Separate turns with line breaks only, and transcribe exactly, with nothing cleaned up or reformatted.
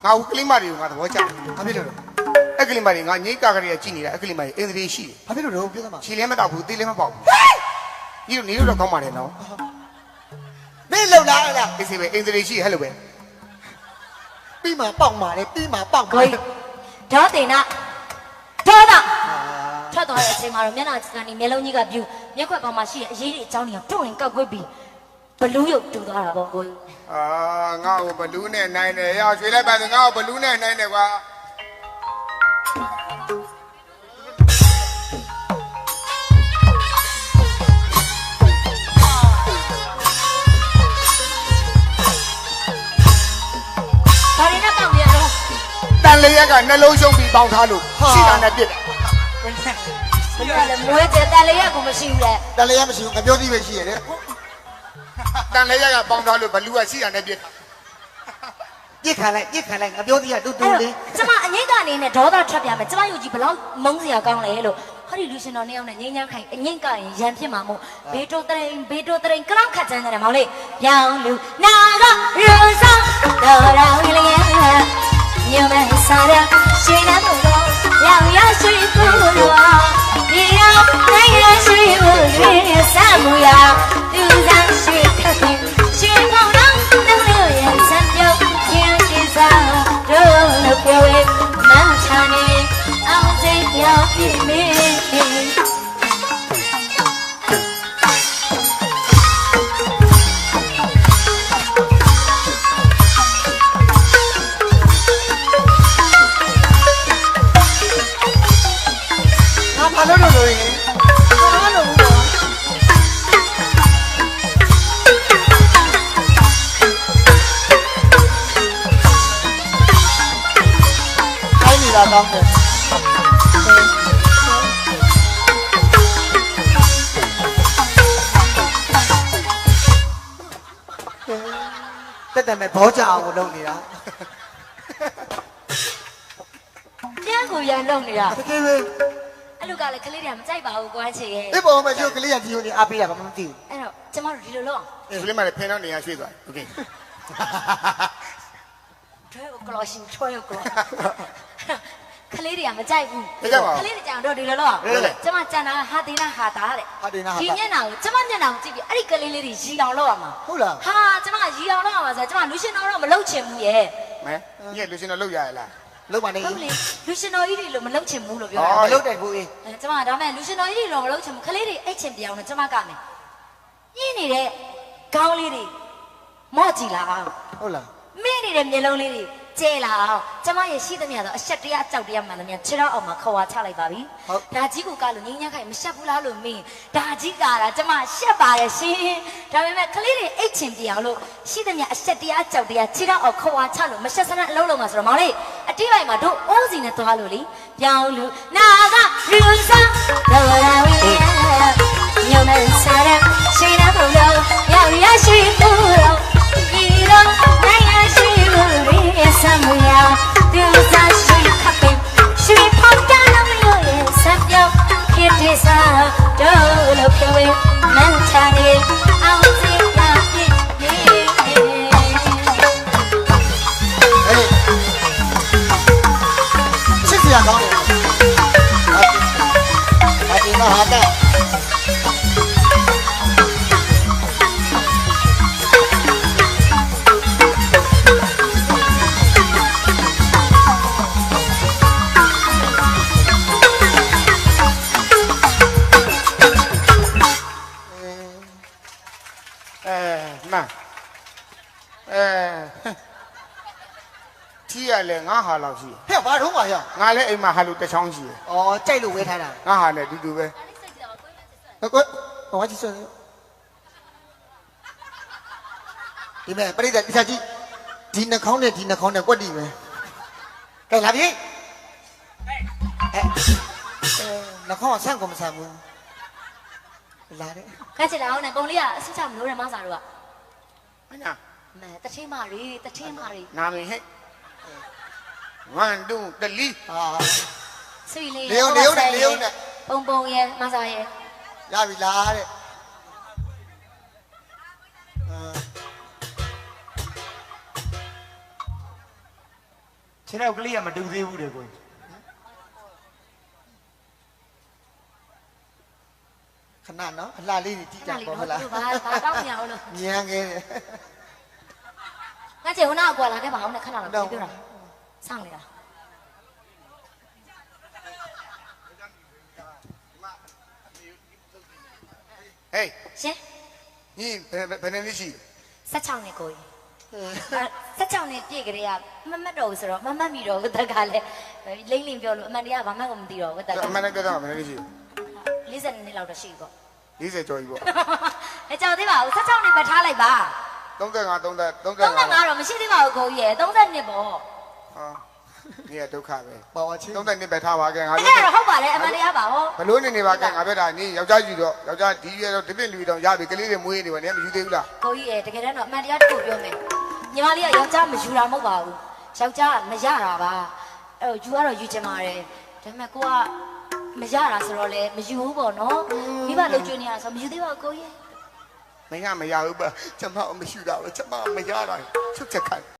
ငါ့ကလေးမတွေကိုငါသဘောကျတယ်
ဘာဖြစ်လို့လဲ
အဲ့ကလေးမတွေငါငိတ်ကကလေးကကြည့်နေတာအဲ့ကလေးမတွေအင်္ဂလိပ်ရှိတယ်
ဘာဖြစ်လို့လဲပြောသမှာ
ခြေလည်းမတောက်ဘူးသေးလည်းမပေါက်ဘူးဒီလိုနေလို့တော့ကောင်းပါတယ်နော်
မင်းလုံလားလား
အေးစေပဲအင်္ဂလိပ်ရှိဟဲ့လို့ပဲ
ပြီးမှပေါက်မှာလေပြီးမှပေါက်မှာ
ကိုကြီးဒေါတင်နာဒေါတာထွက်သွားတဲ့အချိန်မှာတော့မျက်နှာကနေမျက်လုံးကြီးကပြူမျက်ခွက်ပေါ်မှာရှိတဲ့အရေးတွေအကြောင်းတွေကတုံ့ရင်ကောက်ကွေးပြီးဘလူးရုပ်တူသွားတာပေါ့ကိုကြီး
အာငါ့ကိုဘလူးနဲ့နိုင်တယ်ရရွှေလိုက်ပါဆိုငါ့ကိုဘလူးနဲ့နိုင်တယ်ကွာ
ဘာတွေနဲ့ပေါက်နေရတော့
တန်လေးရက်ကနှလုံးရှုံးပြီးပေါင်းထားလို့ရှိတာနဲ့ပြစ်တယ်
ဘယ်လိုလဲမွေးတဲ့တန်လေးရကမရှိဘူးလေ
တလည်းရမရှိဘူးငပြောသေးပဲရှိရတယ်
တန်လေးရက်ကပေါင်းထားလို့ဘလူးကရှိတာနဲ့ပြစ်တယ်
ပြစ်ခံလိုက်ပြစ်ခံလိုက်ငပြောသေးရတူတူလေး
ကျမအငိမ့်ကနေနဲ့ဒေါသထွက်ပြမယ်ကျမယုတ်ကြီးဘလောက်မုန်းစရာကောင်းလဲလို့ဟောဒီလူရှင်တော်နှစ်ယောက်နဲ့ငိမ့်ညမ်းခိုင်အငိမ့်ကရင်ရန်ဖြစ်မှာမို့ဘေတိုတရင်ဘေတိုတရင်ကလောက်ခတ်ချမ်းတယ်မောင်လေးရောင်လူနာကရူဆောင်တော်တော်လေးညမစားရရှိနေတော့ရောင်ရရှိကိုတော့ဒီရောက်နိုင်ရရှိဖို့ရင်းစမှုရသူစားရှိခတ်တယ်ရှိမောင်တော့နှလို့ရစံပြုတ်ရင်ဒီစားတို့လို့ပြောရင်မချာနေအောင်စိတ်ရောက်ပြီမင်း
ဘာလို့လို့လို့ရင်ဘာလို့လို့ခိုင်းနေတာကောင်းတယ်တက်တယ်မဲ့ဘောကြအောင်လုပ်နေတာ
ပြန်ကိုရန်လုံနေတာ
တကယ်ပဲ
အဲ့လူကလည်းကလေးတွေကမကြိုက်ပါဘူးကွာချေရဲ့
ဒီပေါ်မှာကျိုးကလေးရဒီလိုနေအားပေးတာဘာမှမသိဘူး
အဲ့တော့ကျမတို့ဒီလိုလုပ်အောင်
ကလေးမတွေဖင်တော့နေရရွှေ့သွားโอเค
ထွဲကိုကလောရှင်ထွဲကိုကလောကလေးတွေကမကြိုက်ဘူးကလေးတွေကြောင်တော့ဒီလိုလုပ်အောင်ကျမကြံတာဟာတေနာဟာတာတဲ့
ဟာတင်နာဟာ
ဒီမျက်နှာကိုကျမမျက်နှာကိုကြည့်ပြီးအဲ့ဒီကလေးလေးတွေရီအောင်လုပ်ရမှာ
ဟုတ်လား
ဟာကျမရီအောင်လုပ်ရမှာဆိုကျမလူရှင်တော်တော့မလုပ်ချင်ဘူးရဲ့
မဲညက်လူရှင်တော့လောက်ရရလား
လုံးပါနေ
ဟုတ်လေလူရှင်တော်ကြီးတွေလို့မလုပ်ချင်ဘူးလို့ပြော
မ
တာ
လုံးတယ်ဘူးအေး
အဲကျမဒါမဲ့လူရှင်တော်ကြီးတွေလို့မလုပ်ချင်ဘူးကလေးတွေအိတ်ချင်ပြအောင်လို့ကျမကမယ်ညင်းနေတဲ့ခေါင်းလေးတွေမော့ကြည့်လာအောင်
ဟုတ်လား
မင်းနေတဲ့မျက်လုံးလေးတွေကျဲလာအောင်ကျမရဲ့ရှိသမျှတော့အဆက်တရားကြောက်တရားမှန်သမျှခြေတော့အောင်မှာခွာချလိုက်ပါပြီဒါကြီးကိုကလို့ငင်းညက်ခိုင်မရှက်ဘူးလားလို့မင်းဒါကြီးကတာကျမရှက်ပါတယ်ရှင်ဒါပေမဲ့ကလေးတွေအိတ်ချင်ပြအောင်လို့ရှိသမျှအဆက်တရားကြောက်တရားခြေတော့အောင်ခွာချလို့မရှက်စနအလုံးလုံးမှာဆိုတော့မောင်လေးအတိပိုင်းမှာတို့အိုးစီနဲ့သွားလို့လေပြောင်းလို့နာကရူစားတော်ရဝင်းညမစားရရှိနေဖို့ရောရောက်ရရှိဖို့ရောဒီတော့နိုင်ရရှိဖို့ရစမှုရသူစားရှိခပ်ပြီးရှိဖို့တန်းလို့ရစပ်ပြောင်းဖြစ်တဲ့စားတော့လို့ပြောရင်မန်ချာနေအောင်စီလာဖြစ်နေ
ဟေးချစ်စရာကောင်းတယ်ဟာတင်နာဟာတဲ့
အဲမအဲထီးရလဲငါဟာလောက်ရှိ
ဟဲ့ဘာတော့မှာရ
ငါလည်းအိမ်မှာဟာလို့တစ်ချောင်းရှိတယ်
อ๋อကြိုက်လို့ဝဲထားတာ
ငါဟာလည်းတူတူပဲ
ဟုတ်ကောဘာကြီးဆိုဒီမဲ့ပြိတ္တတိချာကြီးဒီနှာခေါင်းနဲ့ဒီနှာခေါင်းနဲ့ကွက်တီပဲကဲလာပြီဟဲ့နှာခေါင်းဆန့်ကုန်မဆန့်ဘူးလာတယ်
ခက်ချစ်တာအောင်နဲ့ပုံလေးကအစစ်ချမလို့ရမစားတော့
မညာ
မဲတထင်းမတွေတထင်းမတွေ
နာမည်ဟဲ့one two three
ဟာ
ဆွေလေး
လေုံလေုံနဲ့လေုံနဲ့
ပုံပုံရဲ့မစားရဲ့
ရပြီလားတဲ့
ခြေထောက်ကလေးကမတူသေးဘူးတဲ့ကို
ခဏနော်အလှလေးတွေကြည့်ကြ
ခဏလေး
ပေါ့
တော့
ဟုတ်လား
သူဘာဘာတောင်းမရအောင်လို့
မြန်ခဲ့တယ်
ငါကျေဟိုနာကွာလာခဲ့ပါအောင်နဲ့ခဏတော့ပြောတာစောင့်နေတာ
ဟေး
ရှင်
ညီဘယ်ဘယ်နှစ်ရှိ
ဆက်ချောင်းနဲ့ကိုကြီးဆက်ချောင်းနဲ့ပြည့်ကြရမမတ်တော့ဆိုတော့မမတ်မိတော့ဝတ်တက်ကလည်းလိမ့်လိမ့်ပြောလို့အမှန်တရားဘာမှမသိတော့ဝတ်တက်က
အမှန်တကယ်တော့ဘယ်နှစ်ရှိ
၄၀နှစ်လောက်တော့ရှိပေါ့
၄၀ကျော်ကြီးပေါ့
အဲကြောက်သေးပါဘူးဆက်ချောင်းနဲ့ပဲထားလိုက်ပါ
35 30 35
35တော့မရှိသေးပါဘူးကိုကြီးရယ်30နှစ်ပေါ့
ဟာนี่ဒုက္ခပဲ
ပါဝါချင်း
30နှစ်ပဲထားပါခဲ့ငါ
အဲ့
ပြော
ဒါတော့ဟုတ်ပါတယ်အမှန်တရားပါဟော
ဘလို့နေနေပါခဲ့ငါပြောတာนี่ယောက်ျားယူတော့ယောက်ျားဒီရွယ်တော့ဒီပြင့်လူတော့ရပြီကလေးတွေမွေးနေပါနဲ့မယူသေးဘူးလား
ကိုကြီးရယ်တကယ်တမ်းတော့အမှန်တရားတစ်ခုပြောမယ်ညီမလေးကယောက်ျားမယူတာမဟုတ်ပါဘူးယောက်ျားမရတာပါအဲ့ယူကတော့ယူချင်ပါတယ်ဒါပေမဲ့ကိုကမရတာဆိုတော့လေမယူဘူးပေါ့နော်မိဘလုံကျွေးနေရဆိုမယူသေးပါဘူးကိုကြီး
မင်းကမရဘူးပါကျမအမရှိတာပဲကျမမရတာချုပ်ချက်ခိုင်း